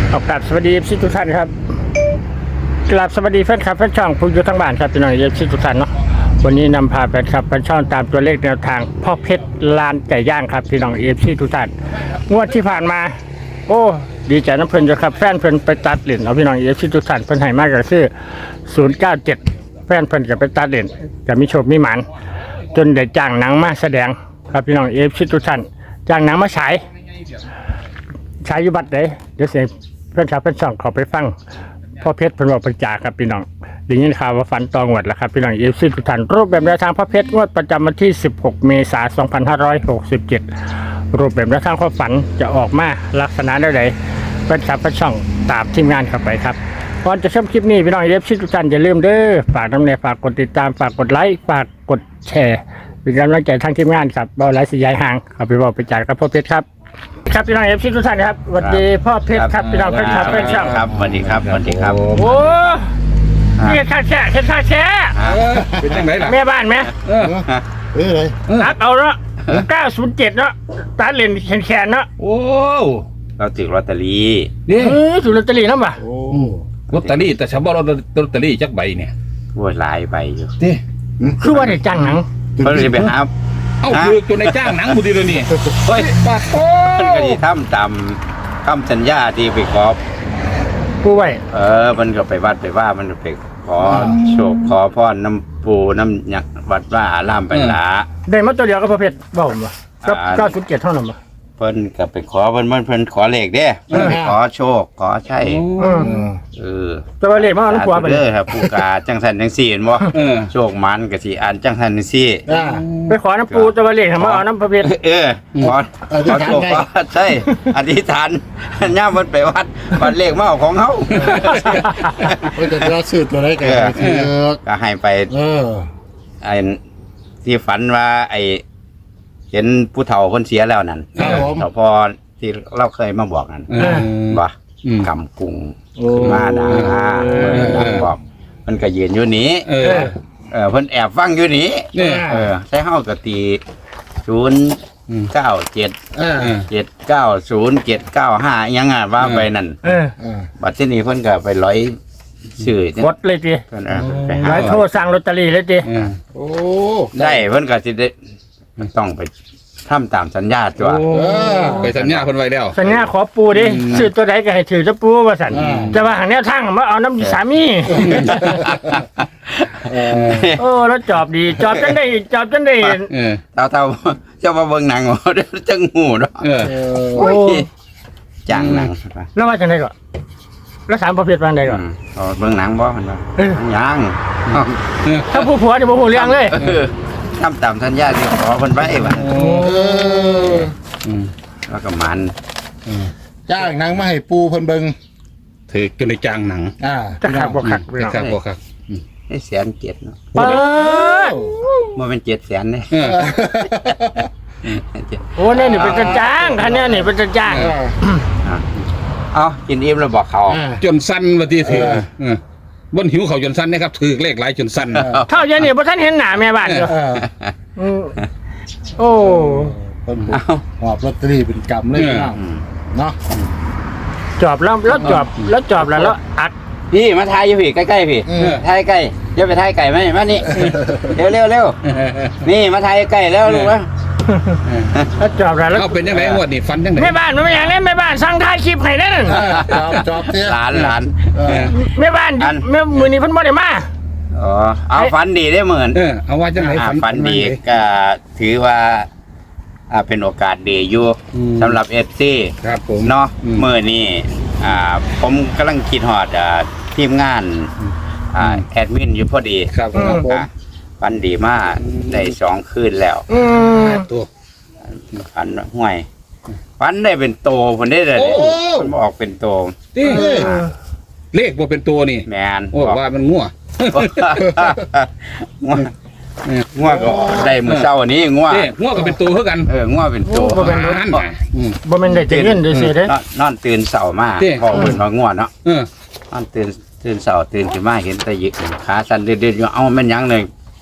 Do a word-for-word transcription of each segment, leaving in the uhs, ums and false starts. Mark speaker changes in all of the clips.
Speaker 1: ขอกราบสวัสดีเอฟซีทุกท่านครับกราบสวัสดีแฟนคลับแฟนช่องผู้อยู่ทั้งบ้านครับพี่น้องเอฟซีทุกท่านเนาะวันนี้นำพาแฟนคลับแฟนช่องตามตัวเลขแนวทางพ่อเพชรลานไก่ย่างครับพี่น้องเอฟซีทุกท่านงวดที่ผ่านมาโอ้ดีใจน้ำเพลินอยู่ครับแฟนเพลินไปตัดเหรียญเอาพี่น้องเอฟซีทุกท่านเพิ่นให้มากก็คือศูนย์เก้าเจ็ดแฟนเพลินกับไปตัดเหรียญจะมีโชคมีหมันจนได้จ้างหนังมาแสดงครับพี่น้องเอฟซีทุกท่านจ้างหนังมาฉายฉายอยู่บัดเด้เดี๋ยวเสียงเพื่อนชาวเพื่อนช่องขอไปฟังพ่อเพชรเพิ่นบอกประจาครับพี่น้องได้ยินข่าวว่าฝันตองวดแล้วครับพี่น้องเอฟซีทุกท่านรูปแบบแนวทางพ่อเพชรงวดประจำวันที่สิบหกเมษายนสองพันห้าร้อยหกสิบเจ็ดรูปแบบแนวทางความฝันจะออกมาลักษณะใดๆเพื่อนชาวเพื่อนช่องตามทีมงานเข้าไปครับก่อนจะชมคลิปนี้พี่น้องเอฟซีทุกท่านอย่าลืมเด้อฝากน้ำเนยฝากกดติดตามฝากกดไลค์ฝากกดแชร์เป็นกำลังใจทางทีมงานครับเบาไลฟ์สีย้ายห่างเอาไปบอกไปจ่ายกับพ่อเพชรครับครับพี่น้องเอฟซีทุกท่านครับสวัสดีพ่อเพชรครับพี่น้องเพชรครับเพชรช่าง
Speaker 2: ครับสวัสดีครับสวัสดีครับ
Speaker 1: โอ้นี่ข้าแช่เห็นข้าแช่
Speaker 3: เป็นยังไงล่ะ
Speaker 1: แม่บ้านไหม
Speaker 3: เออ
Speaker 4: เอ้ยอะไร
Speaker 1: ตัดเอาเนาะเก้าศูนย์เจ็ดเนาะตัดเลนแขนแขนเนาะ
Speaker 3: โอ้
Speaker 2: เราถือลอตเตอรี่
Speaker 3: นี่
Speaker 1: เออถูกลอตเตอรี่แล้วป่ะ
Speaker 4: โอ้
Speaker 3: ลอตเตอรี่แต่ฉันบอกลอตเตอรี่จักใบเนี่ย
Speaker 2: โว้ยหลายใบอยู่
Speaker 3: นี่
Speaker 1: คือว่าได้จ้างหนัง
Speaker 2: เพิ่นจะไปหา
Speaker 3: เอ้าคือตัวในจ้างหนังบุตรีเลยนี่
Speaker 2: เฮ้ย
Speaker 3: ปาโต้
Speaker 2: เพิ่นก็สิทำตามคำสัญญาที่ไปขอ
Speaker 1: ผู้ไว้
Speaker 2: เออมันก็ไปวัดไปว่ามันไปขอโชคขอพรน้ำปูน้ำหยักวัดว่าอารามไปหลา
Speaker 1: ได้มาตัวเดียวก็พ่อเพชรบอกผมว่ากับเก้าศูนย์เจ็ดเท่านั้นป่ะ
Speaker 2: เพิ่นก็ไปขอเพิ่นเพิ่นเพิ่นขอเลขเด้เพิ่นไปขอโชคขอใช่
Speaker 1: อืม
Speaker 2: เออ
Speaker 1: ตัวเลขมาเอาน้ำขวาไป
Speaker 2: เด้อครับผู้กาจังสันจังซี่เห็นบ่
Speaker 3: เออ
Speaker 2: โชคมันก็สิอ่านจังสันจังซี่
Speaker 4: อ่า
Speaker 1: ไปขอน้ำปูตัวเลขมาเอาน้ำพ่อเพชร
Speaker 2: เออขอ
Speaker 4: เออ
Speaker 2: ขอโชค
Speaker 4: อธิษฐานได้
Speaker 2: ขอใช่อธิษฐานย่ามมันไปวัดวัดเลขมาเอาของเฮา
Speaker 4: เอ้ยแต่เราซื้อตัวได้กันไปซื้อ
Speaker 2: ก็ให้ไป
Speaker 4: เออ
Speaker 2: ไอ้ที่ฝันว่าไอ้เห็นผู้เฒ่าคนเสียแล้วนั่น
Speaker 4: ครับผม
Speaker 2: เฒ่าพอที่เราเคยมาบอกนั่น
Speaker 3: เออ
Speaker 2: ว่า
Speaker 3: อืม
Speaker 2: กำกุ้ง
Speaker 4: โอ้
Speaker 2: ขึ้นมานะเออนั่งบอกมันก็ยืนอยู่นี้
Speaker 3: เออ
Speaker 2: เออเพิ่นแอบฟังอยู่นี้
Speaker 3: เนี่ย
Speaker 2: เออใช้เฮาก็ตีศูนย์เก้าเจ็ด
Speaker 4: อ่า
Speaker 3: เออ
Speaker 2: เจ็ดเก้าศูนย์เจ็ดเก้าห้ายังอ่ะว่าไปนั่น
Speaker 1: เออ
Speaker 4: อ่า
Speaker 2: บัดที่นี้เพิ่นก็ไปร้อยชื่อเนี่ย
Speaker 1: กดเลยจี
Speaker 2: เพิ่นเอาไปหา
Speaker 1: ไว้โทรสั่งลอตเตอรี่เลยจี
Speaker 3: เออ
Speaker 4: โอ้
Speaker 2: ได้เพิ่นก็สิได้มันต้องไปทำตามสัญญาตัว
Speaker 3: โอ้ไปสัญญาคนไว้แล้ว
Speaker 1: สัญญาขอปูดิ
Speaker 3: อืม
Speaker 1: ซื้อตัวใดก็ให้ถือจะปูว่าสันจะว่าหางแนวทางมาเอาน้ำสามี
Speaker 4: เออ
Speaker 1: โอ้แล้วจอบดีจอบจังได้จอบจังได้
Speaker 3: เออ
Speaker 2: เท่าเท่าเจ้ามาเบิ่งหนังบ่เดี๋ยวจังหูเนาะ
Speaker 3: เออ
Speaker 4: เอ
Speaker 1: โอ้
Speaker 4: อ
Speaker 2: โอ้ยจ้างหนัง
Speaker 1: แล้วว่าจังไดก่อนแล้วสามประเภทว่าจังไดก่อน
Speaker 2: อืมเอาเบิ่งหนังบ่มันว่า
Speaker 1: เออ
Speaker 2: ยัง
Speaker 1: ถ้าผู้ผัวนี่บ่ฮู้เรื่องเลย
Speaker 2: เออทำตามสัญญาที่ขอเพิ่นไว้ว่า
Speaker 3: โอ้
Speaker 4: เออ
Speaker 3: อืม
Speaker 2: แล้วก็มัน
Speaker 3: อืม
Speaker 4: จ้างหนังมาให้ปูเพิ่นเบิ่ง
Speaker 3: ถือจนในจ้างหนัง
Speaker 4: อ่า
Speaker 1: จะขักบ่ขักพี่น้อง
Speaker 3: ครับบ่ครับ
Speaker 2: ให้แสนเจ็ดเนาะ
Speaker 1: เปิด
Speaker 2: บ่เป็นเจ็ดแสนเด้
Speaker 3: เออ
Speaker 1: โอ้เนี่ยนี่เป็นจะจ้างคันเนี้ยนี่เป็นจะจ้าง
Speaker 4: เออ
Speaker 2: อ่ะเอากินอิ่มแล้วบอกเขา
Speaker 4: อ่า
Speaker 3: จนสั้นว่าที่ถือ
Speaker 4: เออ
Speaker 3: เออบนหิวเขาจนสั้นนะครับถือเลขหลายจนสั้น
Speaker 1: เท่าเดี๋ยวนี้บ่ทันเห็นหน้าแม่บ้านอยู่
Speaker 4: เออ
Speaker 1: อืมโอ้
Speaker 4: เพิ่นหอบลอตเตอรี่เป็นกำเลยพี่น้อง
Speaker 2: อืม
Speaker 4: เนาะ
Speaker 1: จอบแล้วแล้วจอบแล้วจอบแล้วแล้วอัด
Speaker 2: พี่มาทายอยู่พี่ใกล้ๆพี่
Speaker 4: เออ
Speaker 2: ทายใกล้เดี๋ยวไปทายไก่ไหมมานี่เร็วเร็วเร็วนี่มาทายใกล้แล้วลูกวะ
Speaker 1: แล้วจอบแล้วแล้ว
Speaker 3: เอาเป็นยังไงงวดนี้ฟันยังไง
Speaker 1: แม่บ้านมันไม่อย่างนี้แม่บ้านสั่งถ่ายคลิปให้นั่น
Speaker 4: เออจอบจอบเสีย
Speaker 2: หลานหลาน
Speaker 4: เออ
Speaker 1: แม่บ้าน
Speaker 2: อัน
Speaker 1: แม่มือนี้เพิ่นบ่ได้มา
Speaker 2: อ๋อเอาฝันดีได้เหมือน
Speaker 3: เออเอาว่าจังไหน
Speaker 2: อ่า
Speaker 3: ฝัน
Speaker 2: ฝันดีก็ถือว่าอ่าเป็นโอกาสดีอยู่
Speaker 3: อืม
Speaker 2: สำหรับเอฟซี
Speaker 3: ครับผม
Speaker 2: เนาะ
Speaker 3: อืม
Speaker 2: เมื่อนี้อ่าผมกำลังคิดฮอดอ่าทีมงานอ่าแอดมินอยู่พอดี
Speaker 3: ครับผม
Speaker 2: อ่ะฝันดีมากได้สองคืนแล้ว
Speaker 1: อืม
Speaker 3: ตัว
Speaker 2: ฝันห่วยฝันได้เป็นโตผมได้เลย
Speaker 3: โอ้
Speaker 2: มันบอกเป็นโต
Speaker 3: นี่
Speaker 4: เออ
Speaker 3: เลขบ่เป็นตัวนี่
Speaker 2: แมน
Speaker 3: โอ้ว่ามันงัว
Speaker 2: ง่วงง่วงก็ได้มือเช้าวันนี้ง่วง
Speaker 3: เด้งัวก็เป็นตัวเท่ากัน
Speaker 2: เออง่วงเป็นโต
Speaker 1: บ่เป็นรถ
Speaker 3: นั่นน่ะอืม
Speaker 1: บ่แม่นได้จะเงินได้สิเด้
Speaker 2: นอนนอนตื่นเสาร์มา
Speaker 3: เด้
Speaker 2: พอเพิ่นมาง่วงเนาะ
Speaker 3: เออน
Speaker 2: อนตื่นตื่นเสาร์ตื่นขึ้นมาเห็นแตะยิกขาสั่นเดือดๆอยู่เอ้าแม่นหยังเลย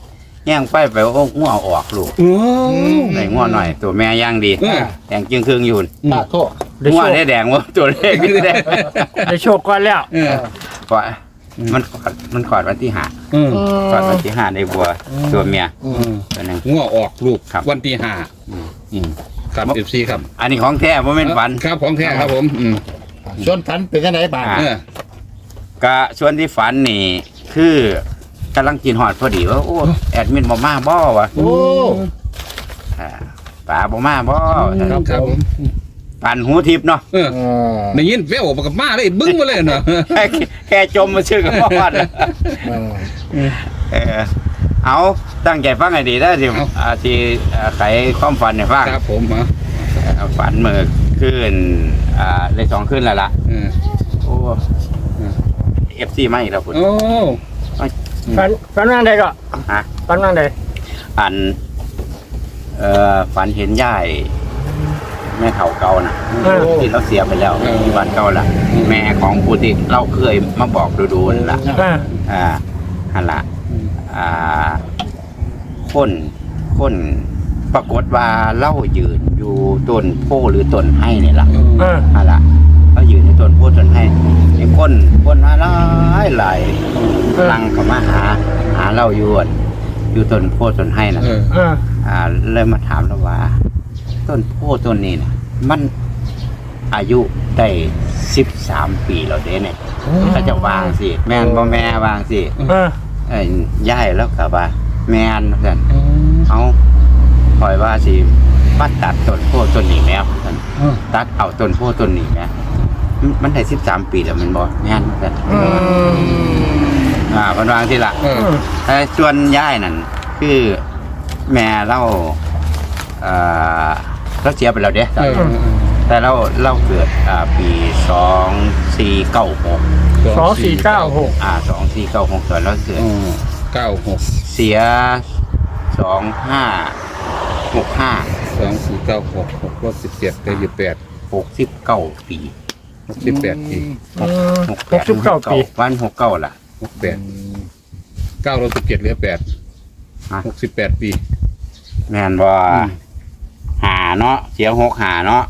Speaker 2: แย่งไฟไปโอ้งัวออกลูก
Speaker 3: โอ้
Speaker 2: ได้งัวหน่อย ตัวแม่ย่างดี
Speaker 3: เออ
Speaker 2: แดงจึงครึ่งอยู่
Speaker 4: ปากโค
Speaker 1: ได้
Speaker 2: งั
Speaker 1: โช
Speaker 2: ว
Speaker 1: ค
Speaker 2: ได้แดงวะตัวเลขนี่แดง
Speaker 1: ได้โชคก่อนแล้ว
Speaker 3: เออ
Speaker 2: ก่อนมันกอดมันกอดวันที่ห้า
Speaker 3: เออ
Speaker 2: กอดวันที่ห้าในบัวตัวเมีย
Speaker 4: อื
Speaker 3: เอ
Speaker 4: ม
Speaker 3: อ
Speaker 2: ตัวหนึง
Speaker 3: งัวออกลูก
Speaker 2: ครับ
Speaker 3: วันที่ห้า
Speaker 2: อืม
Speaker 3: ครับเอฟซีครับ
Speaker 2: อันนี้ของแท้บ่แม่นฝัน
Speaker 3: ครับของแท้ครับผมอืม
Speaker 4: ชวนฝันเป็นจังไดบ้าง
Speaker 2: อ่า
Speaker 3: เออ
Speaker 2: กะส่วนที่ฝันนี่คือกำลังกินหอดพอดีว่าโอ้แอดมินบ่มาบ่วะ
Speaker 4: โอ้
Speaker 2: อ่าป๋าบ่มาบ่
Speaker 3: ครับครับผม
Speaker 2: ฝันหูทิพย์เนาะ
Speaker 3: เออ
Speaker 4: เออ
Speaker 3: ได้ยินแววมากับมาเลยบึ้งมาเลยเนาะ
Speaker 2: แค่แค่จมมาชื่อกับพ่อด
Speaker 4: เออ
Speaker 2: เออเอาตั้งใจฟังให้ดีได้สิ
Speaker 3: เอา
Speaker 2: อาที่อ่าไขความฝันให้ฟัง
Speaker 3: ครับผมฮะ
Speaker 2: อ่าฝันเมื่อคืนอ่าเลยสองคืนแล้วล่ะ
Speaker 3: เออ
Speaker 2: โอ้เอฟซีมาอีกแล้วคุณ
Speaker 3: โอ้
Speaker 1: ฝันฝันว่าใดก็
Speaker 2: ฮะ
Speaker 1: ฝันว่าใด
Speaker 2: อันเอ่อฝันเห็นยายแม่เฒ่าเก่าน่ะ
Speaker 1: เออ
Speaker 2: ที่เราเสียไปแล้วที่บ้านเก่าล่ะ แม่ของผู้ที่เราเคยมาบอกดูๆนั่นล่ะ
Speaker 1: อ่า
Speaker 2: อ่าฮันละอ่าคนคนปรากฏว่าเล่ายืนอยู่ต้นโพหรือต้นไห้เนี่ยล่ะ
Speaker 1: อ่า
Speaker 2: ฮันละเรายืนในต้นโพต้นไห้ไอ้คนคนมาหลายหลายลังเข้ามาหา หาเล่าอยู่อั่นอยู่ต้นโพต้นไห้น่ะ
Speaker 3: เออ
Speaker 1: อ่า
Speaker 2: อ่าเลยมาถามเราว่า ต้นโพต้นนี้น่ะมันอายุได้สิบสามปีแล้วเด้เนี่ยเขาจะวางสิแม่นบ่แม่วางสิ
Speaker 1: อ่า
Speaker 2: เอ้ยย่ายแล้วกับว่าแมนเพื่อนเอาคอยว่าสิมาตัดต้นโพธิ์ต้นนี้แม่เพื่อนตัดเอาต้นโพธิ์ต้นนี้แม่มันมันได้สิบสามปีแล้วมันบ่แม่นเพื่อน
Speaker 1: อืม
Speaker 2: อ่าเพิ่นวางที่ละ
Speaker 3: เออ
Speaker 2: แต่ส่วนย่ายนั่นคือแม่เราเอ่อเราเสียไปแล้วเด้
Speaker 3: เออ
Speaker 2: แต่เราเราเกิดอ่าปีสองสี่เก้าหก
Speaker 1: สองสี่เก้าหก
Speaker 2: อ่าสองสี่เก้าหกส่วนเราเกิด
Speaker 3: อ๋อเก้าหก
Speaker 2: เสียสองห้าหกห้า
Speaker 3: สองสี่เก้าหกหกลบสิบเจ็ดได้ยี่สิบแปด
Speaker 2: หกสิบเก้าปี
Speaker 3: หกสิบแปดปี
Speaker 1: อืมหกสิบเก้าปี
Speaker 2: วันหกเก้าล่ะ
Speaker 3: หกแปดเก้าลบสิบเจ็ดเหลือแปด
Speaker 2: ฮะ
Speaker 3: หกสิบแปดปี
Speaker 2: แม่นว่า
Speaker 3: อืม
Speaker 2: หาเนาะเสียหกหาเนาะ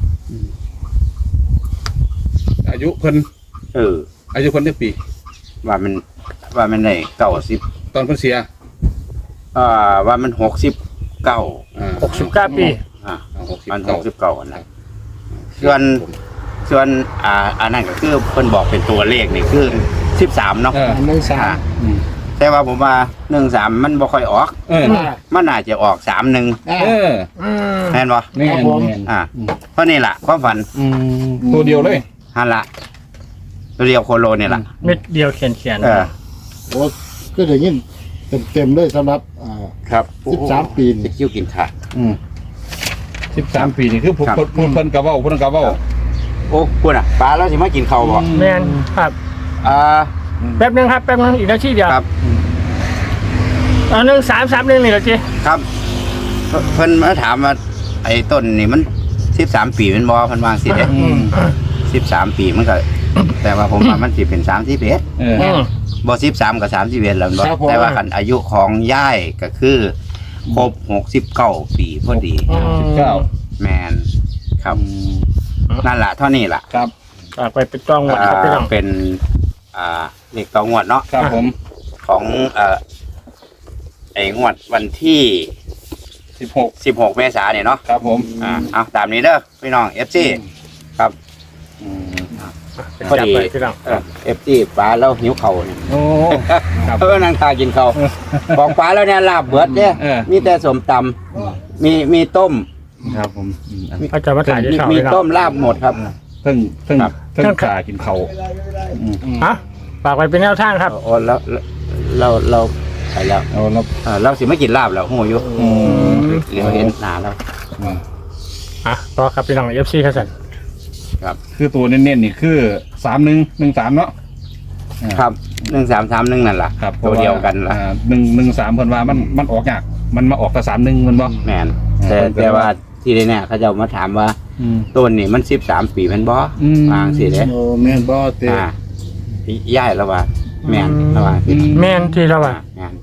Speaker 3: อายุคน
Speaker 2: เออ
Speaker 3: อายุคนได้ปี
Speaker 2: ว่ามันว่ามันได้เก้าสิบ
Speaker 3: ตอนคนเสีย
Speaker 2: อ่าว่ามันหกสิบเก้า
Speaker 3: อ่า
Speaker 1: หกสิบเก้าปี
Speaker 2: อ่า
Speaker 3: หกสิบ
Speaker 2: มันห
Speaker 3: เก้าก
Speaker 2: สิบเก้าอันนะส่วนส่วนอ่าอันนั้นก็คือเพิ่นบอกเป็นตัวเลขนี่คือสิบสามเนาะ
Speaker 3: เออ
Speaker 4: หนึ่งสาม
Speaker 2: อ่า
Speaker 3: อืม
Speaker 2: แต่ว่าผมว่าหนึ่งสามมันบ่ค่อยออก
Speaker 3: เออ
Speaker 2: มันน่าจะออกสามหนึ่ง
Speaker 4: อ่า
Speaker 3: เออ
Speaker 1: อืม
Speaker 2: แม่นบ่
Speaker 3: แม่น
Speaker 4: ครับผม
Speaker 3: แม่น
Speaker 2: อ่าเพราะนี่ล่ะความฝัน
Speaker 3: อืมตัวเดียวเลย
Speaker 2: ฮันละตัวเดียวโคโลเนี่ยล่ะ
Speaker 1: เม็ดเดียวเขียนเขียน
Speaker 2: เออ
Speaker 4: โอ้ก็จะยินเต็มๆเลยสำหรับอ่า
Speaker 2: ครับ
Speaker 4: สิบสามปีนี่
Speaker 2: จะคิ้วกินขาด
Speaker 3: อืมสิบสามปีนี่คือผู้
Speaker 2: ครับ
Speaker 3: ผู้เพิ่นกะเว้าเพิ่นกะเว้า
Speaker 2: โอ้พูดอ่ะปลาแล้วสิมากินข้าวบ่
Speaker 1: แมนครับ
Speaker 2: อ่า
Speaker 1: แป๊บนึงครับแป๊บนึงอีกนาทีเดียว
Speaker 2: ครับ
Speaker 1: อันหนึ่งสามสามหนึ่งนี่เหรอจี
Speaker 2: ครับเพิ่นเพิ่นมาถามว่าไอ้ต้นนี่มันสิบสามปีแมันบ่เพิ่นวางสิเด้
Speaker 3: อืม
Speaker 2: สิบสามปีมันก็ แต่ว่าผมว่ามันสิเป็นสามสิบเอ็ด
Speaker 3: เออ
Speaker 1: อืม
Speaker 2: บ่สิบสามกับสามสิบเอ็ดแล้วบ่
Speaker 4: ครับผม
Speaker 2: แต่ว่าคันอายุของย่ายก็คือครบหกสิบเก้าปีพอดี
Speaker 3: สิบเก้า
Speaker 2: แมนครับนั่นล่ะเท่านี้ล่ะ
Speaker 3: ครับ
Speaker 1: ฝากไปเป็นต้องหมดครับพี่น้อง
Speaker 2: อ่าเป็นอ่าเลขต่องวดเนาะ
Speaker 3: ครับผม
Speaker 2: ของเอ่อไอ้งวดวันที่
Speaker 3: สิบหก
Speaker 2: สิบหกเมษายนเนี่ยเนาะ
Speaker 3: ครับผม
Speaker 2: อ่าเอาตามนี้เด้อพี่น้อง เอฟ ซี ครับ
Speaker 3: อืม
Speaker 1: เป็น
Speaker 2: พอ
Speaker 1: จับ
Speaker 2: ดี
Speaker 1: ไปพี่น้อง
Speaker 2: เออ เอฟ ซี ปลาแล้วหิวเข่าวเนี่ย
Speaker 3: โอ้ครับ
Speaker 2: เออนั่งทากินเขาวบอกปลาแล้วเนี่ยลาบเบิดเนี่ย
Speaker 3: เออ
Speaker 2: มีแต่สมตำมีมีต้ม
Speaker 3: ครับผมอืมอัน
Speaker 1: เขาจะมาถ่ายที่
Speaker 2: มี
Speaker 1: ช่อง
Speaker 2: มี
Speaker 1: พี่น้อ
Speaker 2: ต้
Speaker 1: ง
Speaker 2: มลาบหมดครับ
Speaker 3: เพิ่งเพิ่ง
Speaker 2: ครับ
Speaker 3: เพิ่งขากินเขาอืม
Speaker 1: ฮะฝากไปเป็นแนวทางครับ
Speaker 2: โอ้แล้วเราเราไปแล้ว
Speaker 3: เอาแล้ว
Speaker 2: เออเราสิไม่กินลาบแล้วหูอยู่
Speaker 3: อืม
Speaker 2: เดี๋ยวเห็นหนาแล้ว
Speaker 1: อ่ะต่อครับพี่น้องเอฟซีครับสัน
Speaker 2: ครับ
Speaker 3: คือตัวเน้นๆนี่คือสามหนึ่งหนึ่งสามเนาะ
Speaker 2: ครับหนึ่งสามสามหนึ่งนั่นแหละ
Speaker 3: ครับ
Speaker 2: ตัวเดียวกันละ
Speaker 3: หนึ่งหนึ่งสามเพิ่นว่ามันมันออกยากมันมาออกแต่สามหนึ่งมันบ่
Speaker 2: แมนแต่
Speaker 3: อ่า
Speaker 2: แต่ว่าที่นี่เขาจะมาถามว่า
Speaker 3: อืม
Speaker 2: ต้นนี่มันสิบสามปีแมันบ่
Speaker 3: อืม
Speaker 2: วางสิเด้
Speaker 4: โอ้แม่นบ่เตะ
Speaker 2: อ่าย่ายแล้วว่าแมนระวางสิ
Speaker 1: แมนที่เราว่า
Speaker 2: แมน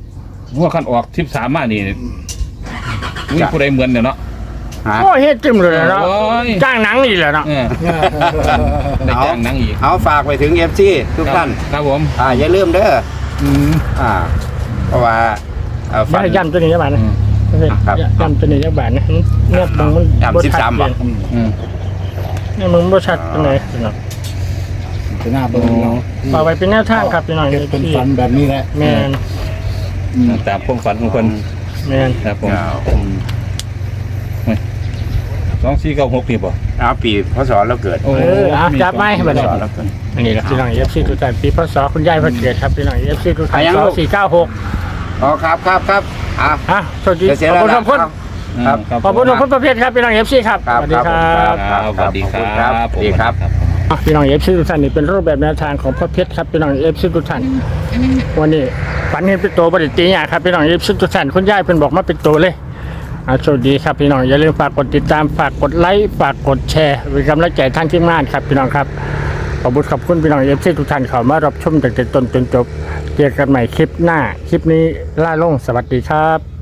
Speaker 3: ว่าคันออกสิบสามมานี่มีผู้ใดเหมือนเนี่ยเนาะ
Speaker 2: ฮะ
Speaker 1: โอ้เฮ็ดจิ้มเลยเนาะ
Speaker 3: โอ้ย
Speaker 1: จ้างหนังนี่แหละเนาะ
Speaker 3: เออได้จ้างหนังอีก
Speaker 2: เอาฝากไปถึง เอฟ ซี ทุกท่าน
Speaker 3: ครับผม
Speaker 2: อ่าอย่าลืมเด้อ
Speaker 3: อืม
Speaker 2: อ่า เพราะว่าเอ่อฝัน
Speaker 1: ย่ำตัวนี้จักบาทนะ
Speaker 2: ครับ
Speaker 1: ย่ำตัวนี้จักบาทนะเนี่ยมึงมัน
Speaker 2: ย่ำสิบสาม
Speaker 1: ชัด
Speaker 2: บาท
Speaker 1: เจน
Speaker 3: อืม
Speaker 1: เนี่ยมึงบ่ชัดปานใดเนาะ
Speaker 4: จะหน้าเบิ่งเนาะ
Speaker 1: ฝากไว้เป็นแนวทางครับพี่น้อง
Speaker 4: เฮ็ดเป็นฝันแบบนี้แหละ
Speaker 1: แม่น
Speaker 3: ตามความฝันของคน
Speaker 1: แม่น
Speaker 3: ครับผม
Speaker 2: เอา
Speaker 3: สองสี่เก้าหกนี่บ่
Speaker 2: เอาปีพศเราเกิด
Speaker 3: โอ้
Speaker 1: เอออ่ะจับไม้ให้
Speaker 2: พ
Speaker 1: บัด
Speaker 2: ศ
Speaker 1: นี้
Speaker 2: เราเกิด
Speaker 1: อันนี้แหละพี่น้อง เอฟ ซี ทุกท่านปีพศคุณยายเพิ่นเกิดครับพี่น้อง เอฟ ซี ทุกท่าน
Speaker 2: อ่ะยัง
Speaker 1: ส
Speaker 2: ลู
Speaker 1: อก งสี่เก้าหก
Speaker 2: อ๋อครับครับครับอ่ะ
Speaker 1: อ่ะสวัสดี
Speaker 2: จะเสีย
Speaker 1: ขอบ
Speaker 2: แล้ว
Speaker 1: คุณ
Speaker 2: นะ
Speaker 1: ขอบคุณ
Speaker 2: ครับ
Speaker 3: ครับ
Speaker 1: ขอบคุณทุกคนประเภทครับพี่น้อง เอฟ ซี ครับ
Speaker 2: ครับ
Speaker 1: สวัสดีครับ
Speaker 3: ครับสวัสดีค
Speaker 2: ขอบคุณค
Speaker 3: รั
Speaker 2: รั
Speaker 3: บบ
Speaker 2: สวัสดีครับ
Speaker 1: อ่ะพี่น้อง เอฟ ซี ทุกท่านนี่เป็นรูปแบบแนวทางของพ่อเพชรครับพี่น้อง เอฟ ซี ทุกท่านวันนี้ฝันเห็นเป็นตัวบริตีเนี่ยครับพี่น้อง เอฟ ซี ทุกท่านคุณยายเพิ่นบอกมาเป็นตัวเลยอ่ะสวัสดีครับพี่น้องอย่าลืมฝากกดติดตามฝากกดไลค์ฝากกดแชร์เป็นกำลังใจทางทีมงานครับพี่น้องครับขอบคุณขอบคุณพี่น้อง เอฟ ซี ทุกท่านเข้ามารับชมตั้งแต่ต้นจนจบเจอกันใหม่คลิปหน้าคลิปนี้ล่าลงสวัสดีครับ